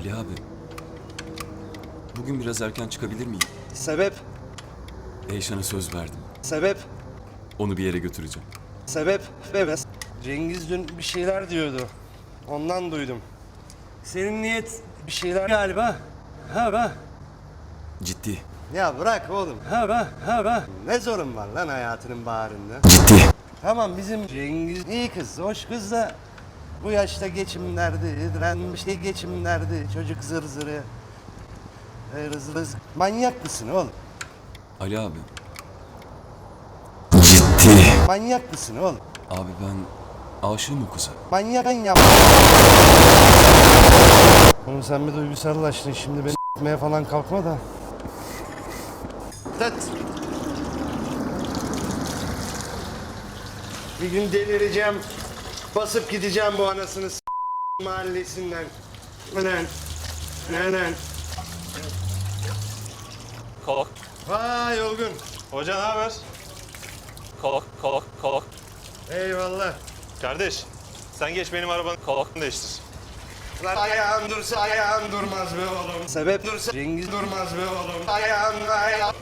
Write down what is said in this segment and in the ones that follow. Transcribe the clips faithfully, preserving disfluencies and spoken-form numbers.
Ali abi. Bugün biraz erken çıkabilir miyim? Sebep? Eyşan'a söz verdim. Sebep? Onu bir yere götüreceğim. Sebep? Sebep. Cengiz dün bir şeyler diyordu. Ondan duydum. Senin niyet bir şeyler galiba. Ha be. Ciddi. Ya bırak oğlum. Ha be, ha be. Ne zorun var lan hayatının baharında? Ciddi. Tamam bizim Cengiz iyi kız, hoş kız da bu yaşta geçim derdi, diren bir şey geçim derdi, çocuk zır zırı. Ee, Rız rız. Manyak mısın oğlum? Ali abi. Ciddi. Manyak mısın oğlum? Abi ben aşığım o kıza. Manyak ben yap. Oğlum sen bir duygusallaştın şimdi beni s**meye falan kalkma da. Tıt. Bir gün delireceğim. Basıp gideceğim bu anasını s*** mahallesinden. Nenen. Nenen. Kalk, Vay Olgun. Hoca ne haber? kalk, kalk, kalk, Eyvallah. Kardeş, sen geç benim arabanı kalk. değiştir. Lan ayağın dursa ayağın durmaz be oğlum. Sebep dursa Cengiz durmaz be oğlum. Ayağın ayağın.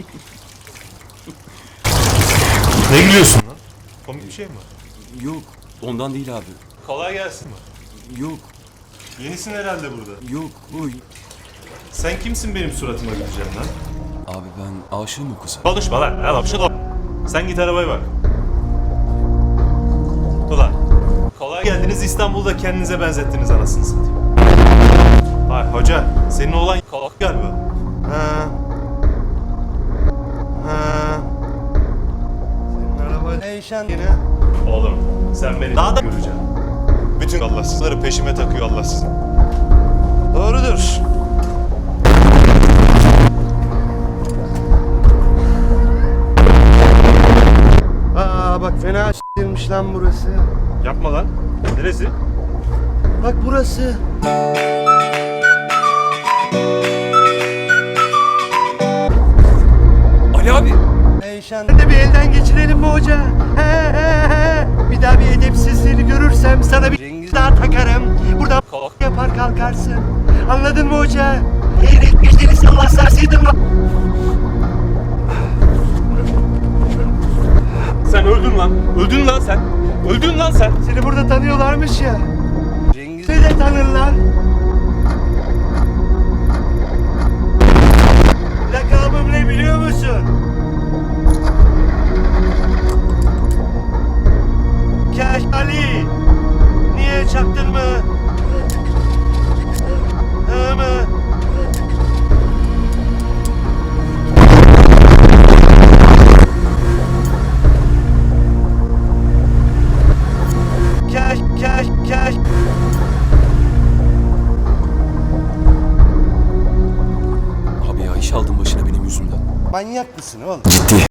Ne gülüyorsun lan? Komik bir şey mi var? Yok. Ondan değil abi. Kolay gelsin mi? Yok. Yenisin herhalde burada. Yok. Uy. Sen kimsin benim suratıma güleceğim lan? Abi ben aşığım o kıza. Konuşma lan, al şunu. Sen git arabaya bak. Ulan, kolay geldiniz İstanbul'da kendinize benzettiniz anasını satayım. Vay hoca, senin oğlan Kalk. galiba. Ha. Ha. Senin araba değişen yine. Oğlum, sen beni daha da göreceksin. Bütün Allahsızları peşime takıyor Allahsız. Doğrudur. Aa bak fena s**tirmiş lan burası. Yapma lan. Neresi? Bak burası. Ali abi. Eyşan. De bir elden geçirelim mi hoca? He he he. Bir daha bir edepsizliğini görürsem sana bir Cengiz daha takarım. Burada Kalk. yapar kalkarsın. Anladın mı hoca? Eğret geçtiğini sallah sarsaydın lan. Sen öldün lan. Öldün lan sen. Öldün lan sen. Seni burada tanıyorlarmış ya. Cengiz'i de tanırlar. Lakabım ne biliyor musun? Kaş Ali. Niye çaktın mı? Hı mı? Kaş, kaş, kaş. Abi ya iş aldın başına benim yüzümden. Manyak mısın oğlum? Ciddi.